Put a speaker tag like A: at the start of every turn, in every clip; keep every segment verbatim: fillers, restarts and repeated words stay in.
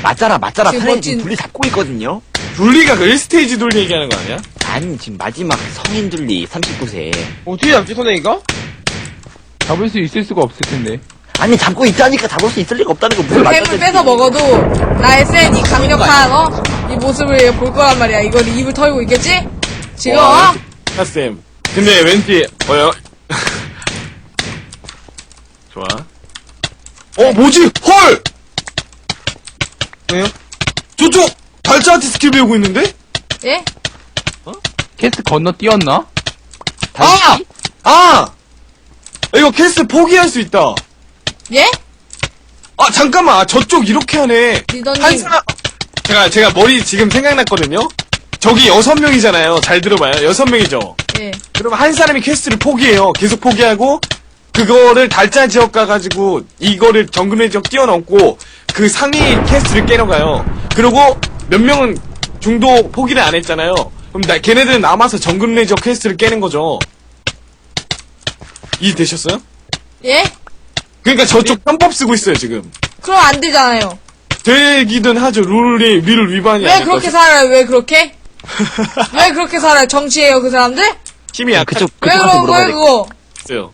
A: 맞잖아, 맞잖아.
B: 지금
A: 사장님
B: 멋진-
A: 지금 둘리 잡고 있거든요?
C: 둘리가 그 일 스테이지 둘리 얘기하는 거 아니야?
A: 아니, 지금 마지막 성인 둘리 삼십구 세.
D: 어떻게 잡지, 선생이가?
E: 잡을 수 있을 수가 없을 텐데.
A: 아니, 잡고 있다니까 잡을 수 있을 리가 없다는 거 무슨
B: 햄을 뺏어 먹어도 나의 센 이 강력한 어? 이 모습을 볼 거란 말이야. 이걸 입을 털고 있겠지? 지금
C: 와,
B: 어?
C: 핫쌤. 근데 왠지, 뭐요? 좋아. 어, 뭐지? 헐!
D: 왜요?
C: 저쪽! 달짜한테 스킬 배우고 있는데?
B: 예?
E: 캐스트 건너 뛰었나?
C: 아! 아! 이거 캐스트 포기할 수 있다.
B: 예?
C: 아, 잠깐만. 아, 저쪽 이렇게 하네.
B: 리더님.
C: 한 사람, 제가, 제가 머리 지금 생각났거든요? 저기 여섯 명이잖아요. 잘 들어봐요. 여섯 명이죠?
B: 예.
C: 그러면 한 사람이 퀘스트를 포기해요. 계속 포기하고, 그거를 달짜 지역 가가지고, 이거를 정글의 지역 뛰어넘고, 그 상위 퀘스트를 깨러 가요. 그리고 몇 명은 중도 포기를 안 했잖아요. 그럼 나, 걔네들은 남아서 정글의 지역 퀘스트를 깨는 거죠. 이해되셨어요?
B: 예?
C: 그러니까 저쪽 편법 쓰고 있어요, 지금.
B: 그럼 안 되잖아요.
C: 되기든 하죠. 룰이, 룰 위반이
B: 왜
C: 아닐까.
B: 그렇게 살아요? 왜 그렇게? 왜 그렇게 살아요? 정치예요, 그 사람들?
C: 힘이 약한
A: 그쪽,
B: 왜
A: 그쪽한테
B: 그런
A: 물어봐야
B: 거예요,
A: 돼.
B: 그거?
C: 있어요.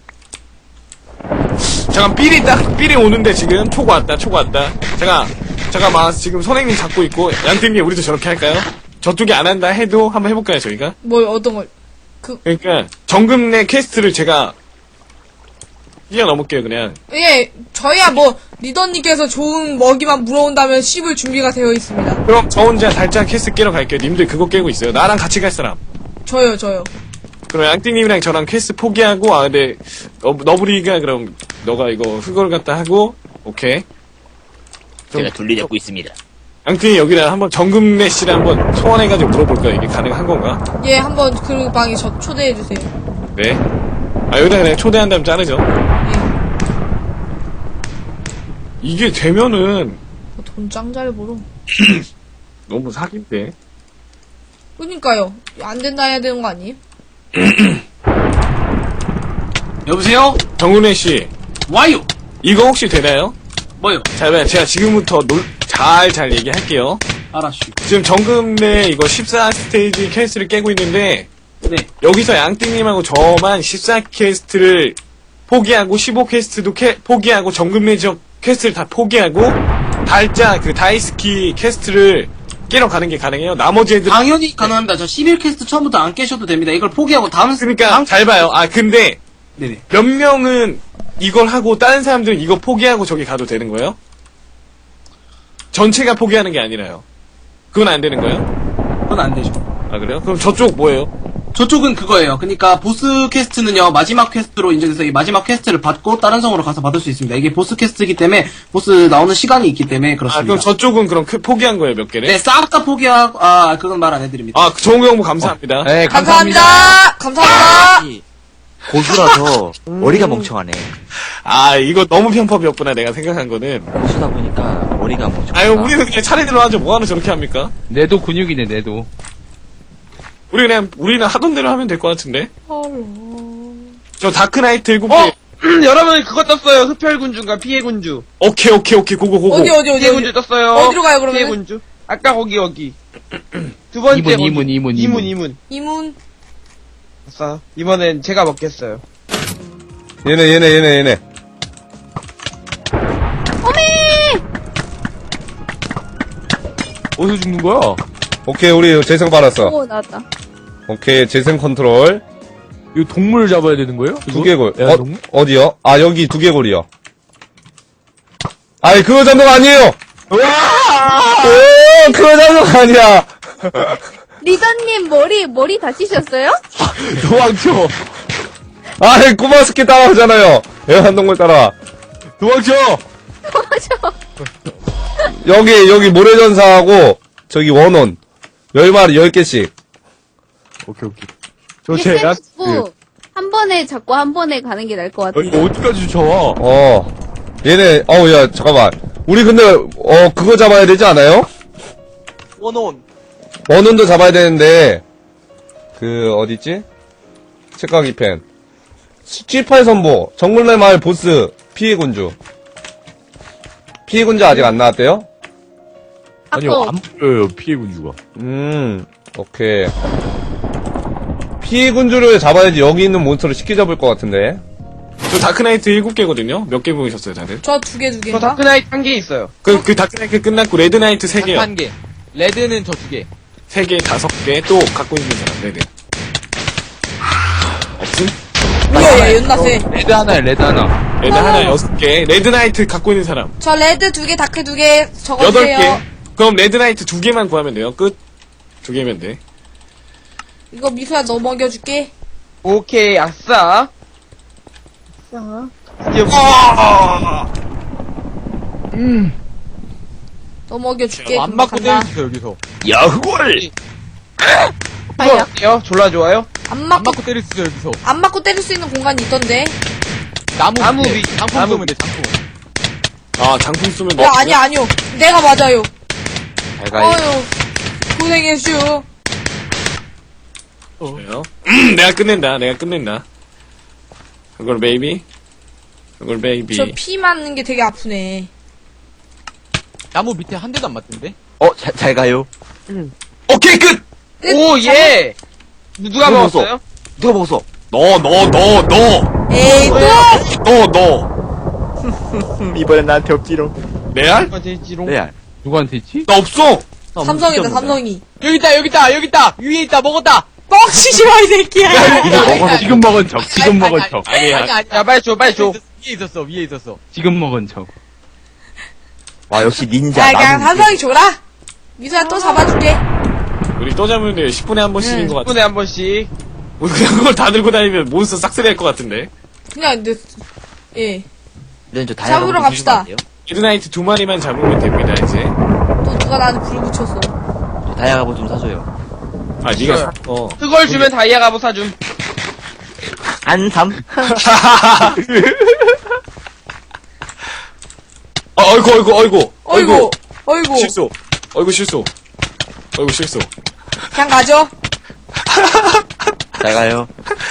C: 잠깐, 삘이 딱, 삘이 오는데 지금, 초고 왔다, 초고 왔다. 제가, 잠깐만, 지금 선생님 잡고 있고, 양팀님 우리도 저렇게 할까요? 저쪽이 안 한다 해도 한번 해볼까요, 저희가?
B: 뭐, 어떤 걸.
C: 그러니까, 정금 내 퀘스트를 제가, 뛰어넘을게요, 그냥.
B: 예, 저희야 뭐, 리더님께서 좋은 먹이만 물어온다면 씹을 준비가 되어 있습니다.
C: 그럼 저 혼자 달짜 퀘스트 깨러 갈게요. 님들 그거 깨고 있어요. 나랑 같이 갈 사람.
B: 저요, 저요.
C: 그럼 양띵님이랑 저랑 퀘스트 포기하고, 아, 근데, 너, 너브리가 그럼, 너가 이거 흑걸 갖다 하고, 오케이.
A: 제가 둘리 잡고 있습니다.
C: 양띵이 여기다 한번 정금래 씨를 한번 소환해가지고 물어볼까요? 이게 가능한 건가?
B: 예, 한번 그 방에 저 초대해주세요.
C: 네. 아, 여기다 그냥 초대한 다음 자르죠.
B: 예.
C: 이게 되면은,
B: 돈 짱 잘 벌어.
C: 너무 사기인데.
B: 그니까요. 안 된다 해야 되는 거 아니에요?
F: 여보세요?
C: 정금래 씨,
F: 와요!
C: 이거 혹시 되나요?
F: 뭐요?
C: 자, 그럼 제가 지금부터 놀, 잘, 잘 얘기할게요.
F: 알았슈.
C: 지금 정금래 이거 십사 스테이지 퀘스트를 깨고 있는데,
F: 네.
C: 여기서 양띵님하고 저만 십사 퀘스트를 포기하고 십오 퀘스트도 캐, 포기하고 정금래 지역 퀘스트를 다 포기하고 달짜 그 다이스키 퀘스트를 깨러 가는 게 가능해요? 나머지 애들
F: 당연히 가능합니다. 저 십일 퀘스트 처음부터 안 깨셔도 됩니다. 이걸 포기하고 다음,
C: 그러니까
F: 다음,
C: 잘 봐요. 아 근데
F: 네네.
C: 몇 명은 이걸 하고 다른 사람들은 이거 포기하고 저기 가도 되는 거예요? 전체가 포기하는 게 아니라요. 그건 안 되는 거예요?
F: 그건 안 되죠.
C: 아 그래요? 그럼 저쪽 뭐예요?
F: 저쪽은 그거예요. 그러니까 보스 퀘스트는요, 마지막 퀘스트로 인정해서 이 마지막 퀘스트를 받고 다른 성으로 가서 받을 수 있습니다. 이게 보스 퀘스트이기 때문에 보스 나오는 시간이 있기 때문에
C: 아
F: 그렇습니다.
C: 그럼 저쪽은 그럼 그- 포기한 거예요 몇 개를?
F: 네, 싹 다 포기하고, 아, 그건 말 안 해드립니다.
C: 아 좋은 정보 감사합니다.
E: 네,
B: 감사합니다! 감사합니다!
A: 이 고수라서 머리가 멍청하네.
C: 아 이거 너무 편법이었구나 내가 생각한 거는.
A: 고수다 보니까 머리가 멍청하다.
C: 아유 우리는 그냥 차례대로 하죠. 뭐하러 저렇게 합니까?
E: 내도 근육이네, 내도.
C: 우리 그냥 우리는 하던 대로 하면 될 것 같은데. 저 다크나이트 일곱 개.
D: 어! 여러분, 그거 떴어요. 흡혈군주인가 피해군주.
C: 오케이 오케이 오케이 고고 고고.
B: 어디, 어디, 어디,
D: 피해군주
B: 어디?
D: 떴어요.
B: 어디로 가요, 그러면?
D: 피해군주. 아까 거기, 여기. 두 번째.
E: 이문,
D: 거기.
E: 이문, 이문,
D: 이문,
E: 이문.
D: 이문.
B: 이문.
D: 아싸. 이번엔 제가 먹겠어요.
G: 얘네 얘네 얘네 얘네
E: 어디서 죽는 거야?
G: 오케이 우리 재생 받았어.
H: 오, 나왔다.
G: 오케이 재생 컨트롤
E: 이거 동물을 잡아야 되는 거예요?
G: 두개골
E: 야,
G: 어,
E: 동물?
G: 어디요? 아 여기 두개골이요. 아니 그거 잡는 거 아니에요. 오 그거 잡는 거 아니야.
H: 리더님 머리, 머리 다치셨어요?
E: 도망쳐!
G: 아니 꼬마스키 따라하잖아요. 애완동물 따라.
E: 도망쳐!
H: 도망쳐.
G: 여기 여기 모래전사하고 저기 원혼 열 마리 열 개씩.
E: 오케이, 오케이. 저 제, 야, 그,
H: 한 번에 잡고 한 번에 가는 게 나을 것 같아.
E: 이거 어디까지 쫓아와?
G: 어 얘네 어우 야 잠깐만. 우리 근데 어 그거 잡아야 되지 않아요?
A: 원온.
G: 원혼도 잡아야 되는데 그 어디있지? 책가기 펜 칠팔 선보 정글내 마을 보스 피해군주 피해군주 아직 안 나왔대요?
E: 아니요,
H: 아까
E: 안 보여요, 피해 군주가.
G: 음, 오케이. 피해 군주를 잡아야지 여기 있는 몬스터를 쉽게 잡을 것 같은데.
C: 저 다크나이트 일곱 개거든요. 몇 개 보이셨어요, 다들?
B: 저 두 개 두
D: 저
B: 개인가?
D: 다크나이트 한 개 있어요.
C: 그, 그 다크나이트 끝났고, 레드나이트 세 개요.
A: 한 개. 레드는 저 두 개.
C: 세 개, 다섯 개, 또 갖고 있는 사람, 네네. 없음?
B: 뭐야, 얘 연나 세.
E: 레드 하나에 레드 하나.
C: 레드 하나 여섯 개, 레드나이트 갖고 있는 사람.
B: 저 레드 두 개, 다크 두 개
C: 여덟
B: 적어주세요.
C: 개. 그럼 레드나이트 두 개만 구하면 돼요. 끝. 두 개면 돼.
B: 이거 미소야 너 먹여줄게.
D: 오케이, 아싸. 아싸. 드디어
B: 너 먹여줄게.
A: 안
B: 금방
A: 맞고
B: 간다.
A: 때려주세요, 여기서.
G: 야후월!
D: 이거 어때요? 졸라 좋아요?
B: 안
A: 안
B: 맞고
A: 맞고 때려주세요, 여기서.
B: 안 맞고 때릴 수 있는 공간이 있던데.
A: 나무,
D: 나무
A: 밑에.
D: 위,
A: 장풍
D: 나무
A: 쏘면 돼, 장풍.
C: 아, 장풍 쓰면
B: 야, 아니야, 아니요. 내가 맞아요.
A: 잘 가요.
B: 어휴, 고생했슈.
C: 돼요. 음, 내가 끝낸다. 내가 끝낸다. 그걸 베이비. 그걸 베이비.
B: 저 피 맞는 게 되게 아프네.
A: 나무 밑에 한 대도 안 맞던데?
I: 어, 잘, 잘 가요.
C: 오케이, 끝!
B: 끝!
D: 오, 예! 누가
I: 누가
D: 먹었어요?
I: 누가 먹었어?
C: 너, 너, 너, 너!
B: 에이, 또!
C: 너, 너!
I: 이번엔 나한테 없지롱.
C: 레알?
D: 누가 될지롱.
I: 레알.
E: 누구한테 있지?
C: 나 없어!
B: 삼성이다, 삼성이.
A: 여기 있다, 여기 있다, 여기 있다! 위에 있다, 먹었다!
B: 뻥치지 마, 이 새끼야.
E: 이거 먹어, 지금 먹은 척, 지금 먹은 척.
A: 아니, 아니, 아니.
D: 야, 빨리 줘, 빨리 줘.
A: 위에 있었어, 위에 있었어.
E: 지금 먹은 척.
I: 와, 역시 닌자.
B: 야, 그냥
I: 나무
B: 삼성이 줘라. 미소야 또 잡아줄게.
C: 우리 또 잡으면 돼요. 십 분에 한 번씩인
B: 응.
C: 것
D: 십
C: 같아.
D: 분에 한 번씩.
C: 우리 그냥 그걸 다 들고 다니면 몬스터 싹쓸이 할 것 같은데.
B: 그냥, 내, 예.
I: 이런 저
B: 잡으러
I: 다이아몬드
B: 갑시다.
I: 주시면 안 돼요?
C: 레드나이트 두 마리만 잡으면 됩니다, 이제.
B: 또 누가 나한테 불 붙였어.
I: 저 다이아몬드 좀 사줘요.
C: 아, 니가 사, 어.
D: 그걸 주면 다이아 갑옷 사줌.
I: 한삼?
C: 아, 어이구, 어이구, 어이구.
B: 어이구, 어이구.
C: 실수. 어이구, 실수. 어이구, 실수.
B: 그냥 가죠.
I: 잘 가요.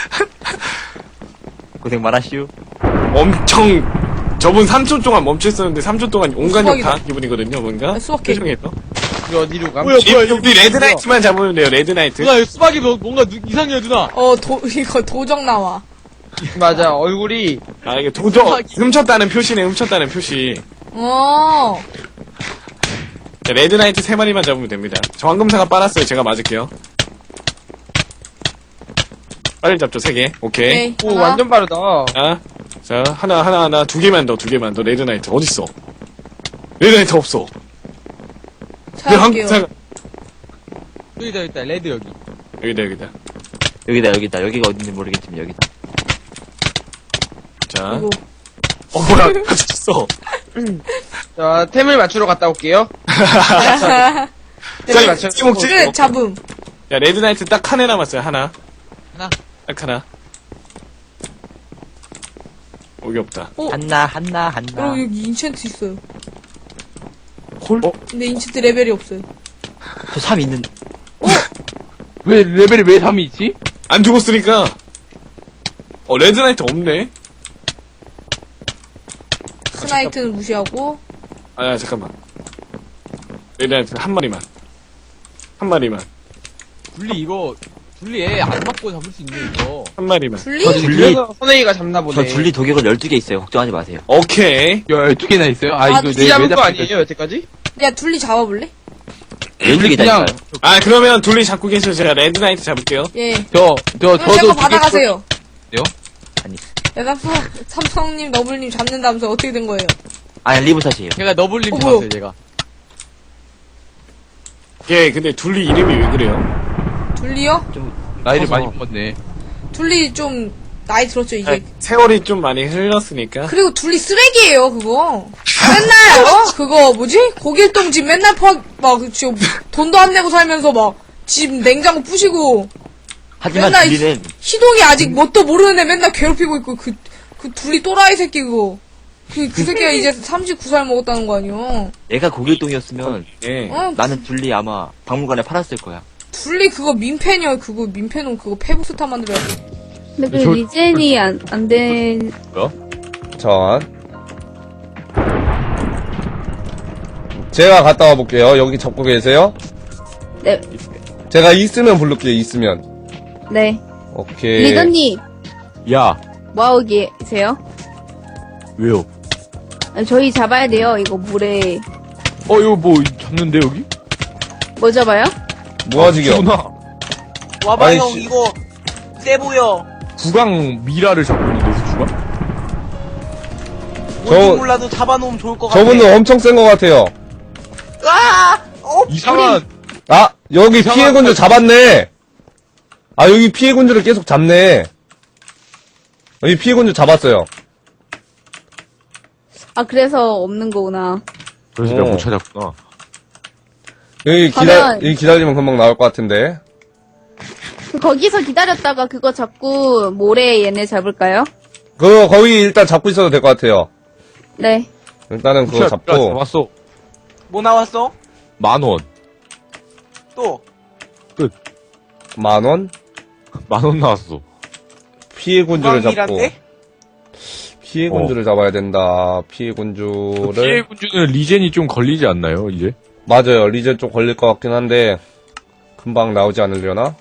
I: 고생 많았슈.
C: 엄청, 저분 삼 초 동안 멈췄었는데 삼 초 동안 온갖 욕
B: 수박이다.
C: 다 기분이거든요, 뭔가?
B: 아, 수박해.
C: 표정에서.
D: 우리 어디로 가?
C: 우리, 우리 레드나이트만 잡으면 돼요, 레드나이트.
A: 누나, 수박이 뭐- 뭔가 누- 이상해요, 누나.
B: 어, 도, 이거 도적 나와.
D: 맞아, 얼굴이.
C: 아, 이게 도저, 훔쳤다는 표시네, 훔쳤다는 표시.
B: 어.
C: 자, 레드나이트 세 마리만 잡으면 됩니다. 저 황금사가 빨았어요, 제가 맞을게요. 빨리 잡죠, 세 개. 오케이.
B: 오케이.
D: 오,
B: 하나.
D: 완전 빠르다.
C: 자, 자, 하나, 하나, 하나, 두 개만 더, 두 개만 더, 레드나이트. 어딨어? 레드나이트 없어. 내
B: 찾아볼게요.
C: 황금사가,
A: 여기다, 여기다, 레드 여기.
C: 여기다, 여기다.
I: 여기다, 여기다. 여기가 어딘지 모르겠지만 여기다.
C: 자,
B: 이거.
C: 어, 뭐야, 맞췄어.
D: 자, 템을 맞추러 갔다 올게요. 템을 맞춰.
C: 자, 먹지?
B: 끝, 잡음.
C: 야, 레드나이트 딱 하나 남았어요, 하나.
A: 하나.
C: 딱 하나. 여기 없다.
I: 한나, 한나, 한나.
B: 어, 여기 인챈트 있어요.
C: 콜? 어?
B: 근데 인챈트 레벨이 없어요.
I: 저 삼 있는.
E: 왜, 레벨이 왜 삼이 있지?
C: 안 죽었으니까. 어, 레드나이트 없네?
B: 스나이트는 무시하고.
C: 아, 잠깐만. 레드나이트 한 마리만. 한 마리만.
A: 둘리 이거, 둘리 애 안 맞고 잡을 수 있네, 이거.
C: 한 마리만.
B: 둘리?
I: 저 둘리,
D: 그래서 선행이가 잡나 보네.
I: 저 둘리 도격을 열두 개 있어요. 걱정하지 마세요.
C: 오케이.
E: 열두 개나 있어요? 아,
B: 아,
E: 이거
D: 둘이
E: 내
D: 잡은
E: 왜
D: 거
E: 잡힐까?
D: 아니에요, 여태까지?
B: 야, 둘리 잡아볼래?
I: 열두 개다니까요.
C: 아, 그러면 둘리 잡고 계셔. 제가 레드나이트 잡을게요.
B: 예.
E: 저, 저,
B: 그럼
E: 저도
B: 제거
E: 두 개-
B: 받아가세요.
I: 아니.
B: 야, 삼성, 삼성님, 너블님 잡는다면서 어떻게 된 거예요?
I: 아니, 리브샷이에요.
A: 제가 너블림
B: 어,
A: 잡았어요,
B: 뭐야?
A: 제가.
C: 예, 근데 둘리 이름이 왜 그래요?
B: 둘리요?
E: 나이를
I: 커서.
E: 많이 먹었네.
B: 둘리 좀, 나이 들었죠, 이제.
C: 아, 세월이 좀 많이 흘렀으니까.
B: 그리고 둘리 쓰레기예요, 그거. 맨날, 어? 그거, 뭐지? 고길동 집 맨날 파, 막, 지금 돈도 안 내고 살면서 막, 집 냉장고 부시고,
I: 하지만
B: 맨날
I: 둘리는
B: 희동이 아직 뭣도 모르는 애 맨날 괴롭히고 있고, 그, 그 둘리 또라이 새끼 그거. 그, 그 새끼가 이제 삼십구 살 먹었다는 거 아니요?
I: 얘가 고길동이었으면
C: 예.
B: 어?
I: 나는 둘리 아마 박물관에 팔았을 거야.
B: 둘리 그거 민폐냐, 그거 민폐는 그거 페북스타 만들어야지.
H: 근데 그
E: 저-
H: 리젠이 안, 안 된,
G: 전. 제가 갔다 와볼게요. 여기 잡고 계세요?
H: 네,
G: 제가 있으면 부를게요, 있으면.
H: 네.
G: 오케이.
H: 리더님,
E: 야,
H: 뭐하고 계세요?
E: 왜요?
H: 아, 저희 잡아야 돼요, 이거 물에.
E: 어, 이거 뭐, 잡는데, 여기?
H: 뭐 잡아요?
G: 뭐하지겨?
E: 구나.
J: 와봐
G: 아이씨.
J: 형 이거 세 보여.
E: 구강 미라를 잡고 있는데, 구강?
G: 저-
J: 뭔지 몰라도 잡아놓으면 좋을 것 같아.
G: 저분은 엄청 센 것 같아요.
J: 아! 어?
E: 이상한,
G: 아, 여기
E: 이상한
G: 피해군주 잡았네. 아, 여기 피해군주를 계속 잡네. 여기 피해군주 잡았어요.
H: 아, 그래서 없는 거구나.
E: 그래서
G: 어.
E: 내가 못 찾았구나.
G: 여기 기다,
H: 가면-
G: 여기 기다리면 금방 나올 것 같은데.
H: 그 거기서 기다렸다가 그거 잡고 모래 얘네 잡을까요?
G: 그거 거기 일단 잡고 있어도 될 것 같아요.
H: 네.
G: 일단은 그거 잡고.
E: 잡았어.
J: 뭐 나왔어?
E: 만 원.
J: 또
G: 만 원?
E: 만 원 나왔어.
G: 피해군주를 잡고.
J: 구강이란데?
G: 피해군주를 잡아야 된다. 피해군주를.
E: 피해 군주는 리젠이 좀 걸리지 않나요, 이제?
G: 맞아요. 리젠 좀 걸릴 것 같긴 한데. 금방 나오지 않으려나?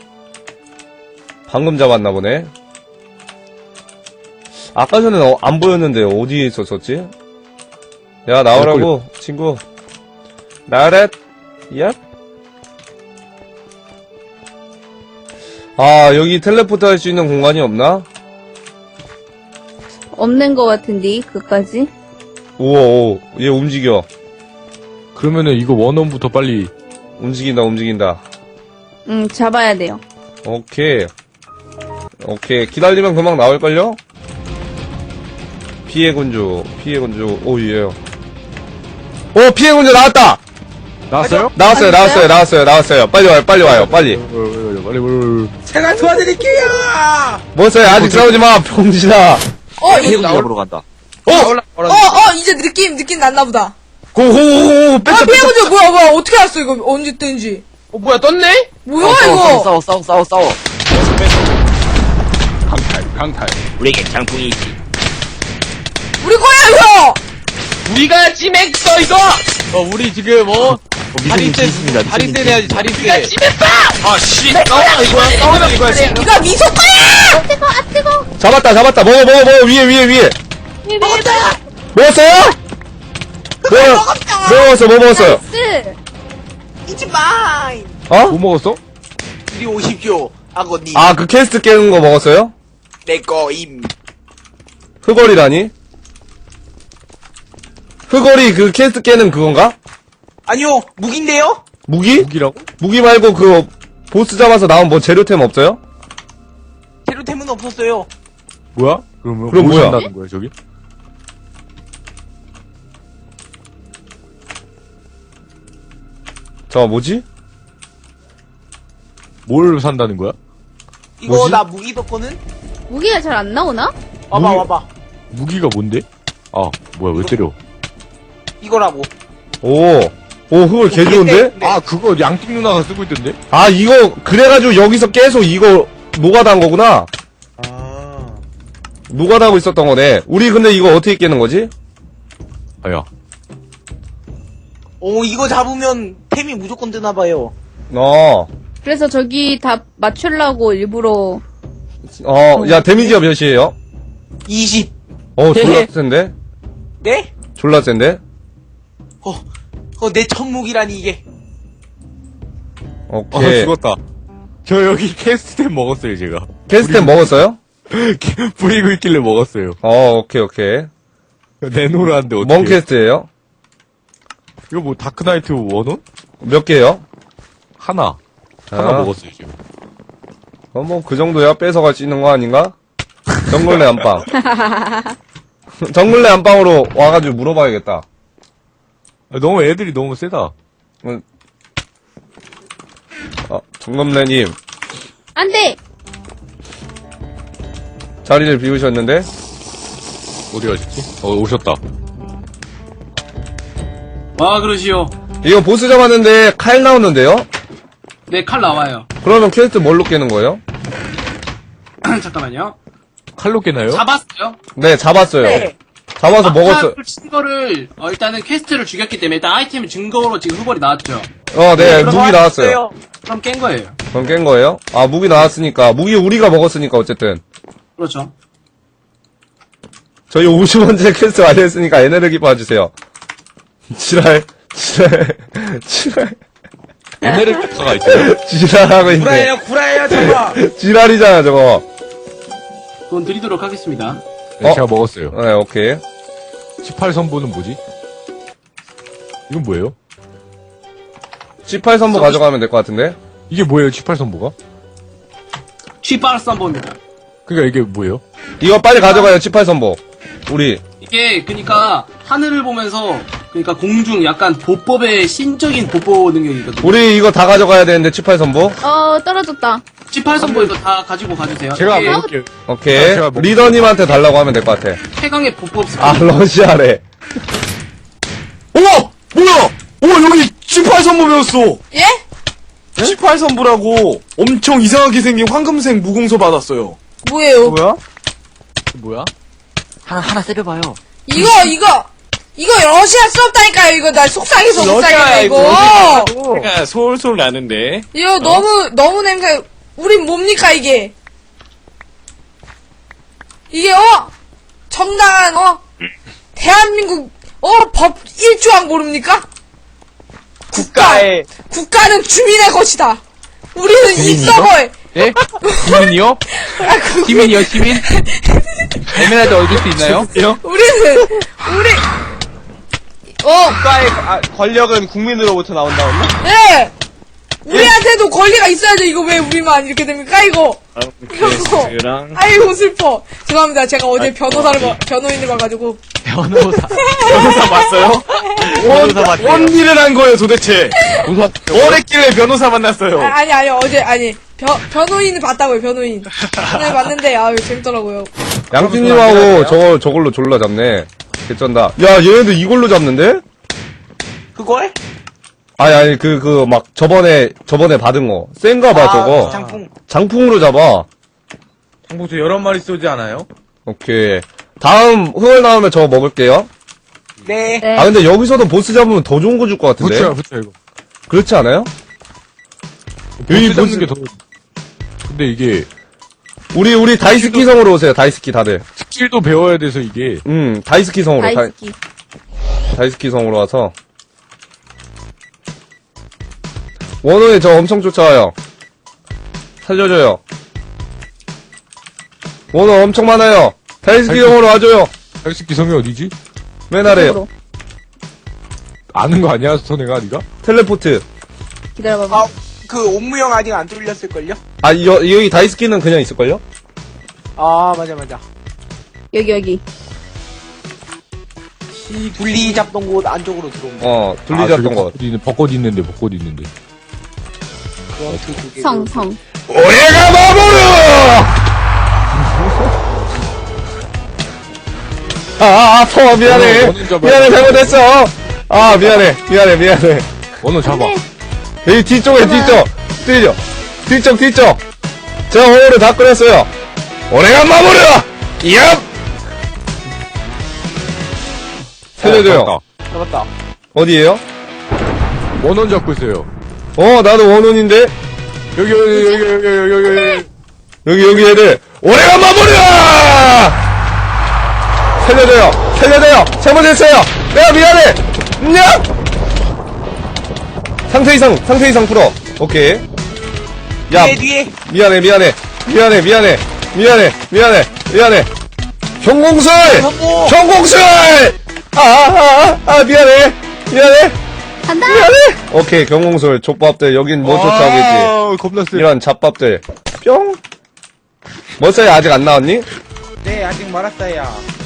G: 방금 잡았나 보네. 아까 전에 어- 안 보였는데 어디에 있었었지? 야 나오라고 친구. 나렛. 얍. 아 여기 텔레포트 할 수 있는 공간이 없나?
H: 없는 거 같은데, 그까지?
G: 우와 오, 얘 움직여.
E: 그러면은 이거 원원부터 빨리.
G: 움직인다 움직인다.
H: 응, 잡아야 돼요.
G: 오케이. 오케이. 기다리면 금방 나올걸요? 피해군주, 피해군주, 오, 예. 오, 피해군주 나왔다!
E: 나왔어요?
G: 나왔어요, 나왔어요, 나왔어요, 나왔어요. 빨리 와요, 빨리 와요, 빨리.
E: 어, 어, 어, 빨리, 빨리.
J: 제가 도와드릴게요.
G: 뭐어요 아직 싸우지 마, 병신아.
B: 어, 이거,
I: 피해군 잡으러 간다.
G: 어!
B: 어, 어, 이제 느낌, 느낌 났나 보다.
G: 고고고고,
B: 아,
G: 뺐어, 뺐어.
B: 피해보죠. 뭐야, 뭐야, 어떻게 알았어, 이거. 언제 뜬지.
D: 어, 뭐야, 떴네?
B: 뭐야,
I: 어, 싸워,
B: 이거.
I: 싸워, 싸워, 싸워, 싸워.
E: 강탈, 강탈.
I: 우리에게 장풍이 있지.
B: 우리 거야, 이거!
D: 우리가 찜했어, 이거!
A: 어, 우리 지금, 어,
I: 미소님
A: 자리세,
I: 지습니다.
A: 자리세 내야지, 자리세.
D: 우리가 찜했어!
C: 아, 씨! 싸우라 이거야, 싸우라 이거야, 씨.
B: 이거 미소 거야!
H: 뜨거, 아, 뜨거!
G: 잡았다, 잡았다. 먹어, 먹어, 먹어. 위에, 위에, 위에.
H: 왜, 왜, 왜?
G: 먹었어요? 뭐, 뭐 먹었어, 뭐 먹었어요?
H: 쓰!
J: 이지 마인.
G: 어?
E: 뭐 먹었어?
J: 이리 오십시오. 아버님.
G: 아, 그 캐스트 깨는 거 먹었어요?
J: 내 거임.
G: 흑얼이라니? 흑얼이 그 캐스트 깨는 그건가?
J: 아니요, 무기인데요?
G: 무기?
E: 무기라고?
G: 무기 말고 그 보스 잡아서 나온 뭐 재료템 없어요?
J: 재료템은 없었어요.
E: 뭐야? 그러면
G: 그럼
E: 뭐
G: 뭐야?
E: 산다는 거야, 저기?
G: 저 뭐지?
E: 뭘 산다는 거야?
J: 이거
G: 뭐지?
J: 나 무기 뒀거든?
H: 무기가 잘 안 나오나?
J: 와봐,
E: 무기-
J: 와봐.
E: 무기가 뭔데? 아, 뭐야, 왜 때려?
J: 이거라고.
G: 오, 오 흑얼 개 좋은데?
J: 네.
E: 아, 그거 양띵 누나가 쓰고 있던데?
G: 아 이거 그래가지고 여기서 계속 이거 노가다 한 거구나.
J: 아.
G: 노가다 하고 있었던 거네. 우리 근데 이거 어떻게 깨는 거지?
E: 아야.
J: 오, 이거 잡으면 템이 무조건 뜨나봐요.
G: 어,
H: 그래서 저기 다 맞추려고 일부러.
G: 어, 야 데미지가 몇이에요?
J: 이십.
G: 어, 졸라 센데?
J: 네?
G: 졸라 센데?
J: 어, 어, 내 천목이라니, 이게.
E: 아,
G: 오케이.
E: 죽었다. 저 여기 캐스트템 먹었어요, 제가.
G: 캐스템 먹었어요?
E: 부리고 있길래 먹었어요.
G: 어, 오케이, 오케이.
E: 내놓으라는데 어떻게?
G: 뭔 캐스트예요?
E: 이거 뭐 다크나이트 원원?
G: 몇 개요?
E: 하나. 하나
G: 아.
E: 먹었어요, 지금.
G: 어, 뭐, 그 정도야 뺏어갈 수 있는 거 아닌가? 정글레 안방. 정글레 안방으로 와가지고 물어봐야겠다.
E: 아, 너무 애들이 너무 세다.
G: 아, 정검래님,
H: 안 돼!
G: 자리를 비우셨는데?
E: 어디 가셨지? 어, 오셨다.
F: 아, 그러시오.
G: 이거 보스 잡았는데 칼 나오는데요?
F: 네, 칼 나와요.
G: 그러면 퀘스트 뭘로 깨는 거예요?
F: 잠깐만요.
E: 칼로 깨나요?
F: 잡았어요?
G: 네, 잡았어요.
J: 네.
G: 잡아서 먹었어.
F: 친 거를 어, 일단은 퀘스트를 죽였기 때문에 일단 아이템 증거로 지금 후벌이 나왔죠.
G: 어, 네, 무기 나왔어요.
F: 그럼 깬 거예요.
G: 그럼 깬 거예요? 아, 무기 나왔으니까. 무기 우리가 먹었으니까, 어쨌든.
F: 그렇죠.
G: 저희 오십 원째 퀘스트 완료했으니까 에너지 봐주세요. 지랄, 지랄, 지랄.
E: 에네르기카가 있어요.
G: 지랄하고 있네.
J: 구라예요, 구라예요, 저거.
G: 지랄이잖아, 저거.
F: 돈 드리도록 하겠습니다.
E: 네,
G: 어?
E: 제가 먹었어요.
G: 네, 오케이.
E: 십팔 선보는 뭐지? 이건 뭐예요?
G: 십팔 선보 가져가면 될 것 같은데?
E: 이게 뭐예요, 십팔 선보가?
F: 취빨 썬버입니다.
E: 그니까 이게 뭐예요?
G: 이거 빨리 가져가요, 십팔 선보. 우리.
F: 이게 그니까 하늘을 보면서 그니까 공중 약간 보법의 신적인 보보 능력이거든요.
G: 우리 이거 다 가져가야 되는데, 십팔 선보.
H: 어, 떨어졌다.
F: 십팔 선보 이거 다 가지고 가주세요.
E: 제가
F: 이게
E: 먹을게요.
G: 오케이.
E: 아, 제가 먹-
G: 리더님한테 달라고 하면 될 것 같아.
F: 최강의 보법 스킬.
G: 아, 러시아래.
C: 어머! 뭐야! 어, 여기 십팔 선보 배웠어!
B: 예?
C: 십팔 선보라고 엄청 이상하게 생긴 황금색 무공소 받았어요.
B: 뭐예요?
J: 뭐야?
A: 뭐야?
I: 하나, 하나 세려봐요.
B: 이거 이거 이거 러시아 수업다니까요. 이거 나 속상해서 못
C: 러시아야,
B: 살겠다 이거.
C: 이거. 그러니까 솔솔 나는데.
B: 이거 너무 너무 냄새. 우린 뭡니까 이게? 이게 어 정당한 어 대한민국 어 법 일 조항 모릅니까?
J: 국가의
B: 국가는 주민의 것이다. 우리는 이
A: 주민이요?
B: 서버에
A: 예? 시민이요?
B: 아, 그,
A: 시민이요, 시민? 에메랄드 얻을 수 있나요?
B: 우리는 우리 어
D: 국가의 아, 권력은 국민으로부터 나온다고요?
B: 예. 우리한테도 권리가 있어야죠. 이거 왜 우리만 이렇게 됩니까? 이거. 이거.
C: 랑
B: 아이고 슬퍼. 죄송합니다. 제가 어제 변호사를 봐, 변호인을 봐가지고.
A: 변호사.
C: 변호사 봤어요?
A: 변호사 봤대요.
C: 뭔 일을 한 거예요, 도대체?
A: 변호사.
C: 뭘 했길래 변호사 만났어요?
B: 아, 아니 아니 어제 아니 변 변호인을 봤다고요. 변호인. 오늘 봤는데 아유 재밌더라고요.
G: 양띠님하고 저걸, 저걸로 졸라 잡네. 개쩐다. 야, 얘네들 이걸로 잡는데?
J: 그거에?
G: 아니, 아니, 그, 그, 막, 저번에, 저번에 받은 거. 센가 봐, 저거.
J: 장풍.
G: 장풍으로 잡아.
J: 장풍도 여러 마리 쏘지 않아요?
G: 오케이. 다음, 흥얼 나오면 저거 먹을게요.
J: 네.
H: 네.
G: 아, 근데 여기서도 보스 잡으면 더 좋은 거 줄 것 같은데?
E: 붙여요, 붙여요, 이거.
G: 그렇지 않아요? 여기
E: 보스 잡는
G: 보스-
E: 게 더. 근데 이게,
G: 우리, 우리 다이스키 성으로 오세요, 다이스키 다들.
E: 스킬도 배워야 돼서 이게.
G: 음, 다이스키 성으로. 다이,
H: 다이스키.
G: 다이스키 성으로 와서. 원호에 저 엄청 쫓아와요. 살려줘요. 원호 엄청 많아요. 다이스키
E: 다이스키-
G: 성으로 와줘요.
E: 다이스키 성이 어디지?
G: 맨 아래요.
H: 이쪽으로.
E: 아는 거 아니야, 선혜가, 니가?
G: 텔레포트.
H: 기다려봐봐.
J: 아, 그 옥무형 아직 안 뚫렸을걸요?
G: 아, 여, 여기 다이스키는 그냥 있을걸요?
J: 아, 맞아, 맞아.
H: 여기, 여기.
J: 이 분리 잡던 곳 안쪽으로 들어온 거.
G: 어,
E: 아,
G: 둘리잡던
E: 저기
G: 거.
E: 벚꽃 있는, 벚꽃 있는데, 벚꽃 있는데.
J: 그거 그 두 개.
H: 성, 성.
G: 오해가 마모르! 아, 아, 아파, 미안해.
E: 원호, 원호 잡아야
G: 미안해,
E: 돼.
G: 잘못했어. 아, 미안해, 미안해, 미안해.
E: 원호 잡아.
G: 여기 뒤쪽에,
H: 하나.
G: 뒤쪽. 뒤쪽. 뒤쪽, 뒤쪽. 제가 호를 다 끓였어요. 오해가 마모르! 얍! 살려줘요.
E: 어,
J: 잡았다.
G: 어디에요?
E: 원원 잡고 있어요.
G: 어, 나도 원혼인데?
E: 여기, 여기, 여기, 여기, 여기, 여기, 여기.
G: 여기, 여기 애들. 오해가 마모르! 살려줘요. 살려줘요. 잘못했어요. 내가 미안해. 냐! 상태 이상, 상태 이상 풀어. 오케이. 야,
J: 뒤에, 뒤에.
G: 미안해, 미안해. 미안해, 미안해. 미안해, 미안해, 미안해. 경공술!
J: 성공!
G: 경공술! 아, 아, 아, 아, 미안해. 미안해.
H: 간다!
G: 미안해. 오케이, 경공술. 족밥들. 여긴 뭐 쫓아오겠지.
E: 아, 겁나 세.
G: 이런 잡밥들. 뿅. 머싸이 아직 안 나왔니?
J: 네, 아직 말았어요.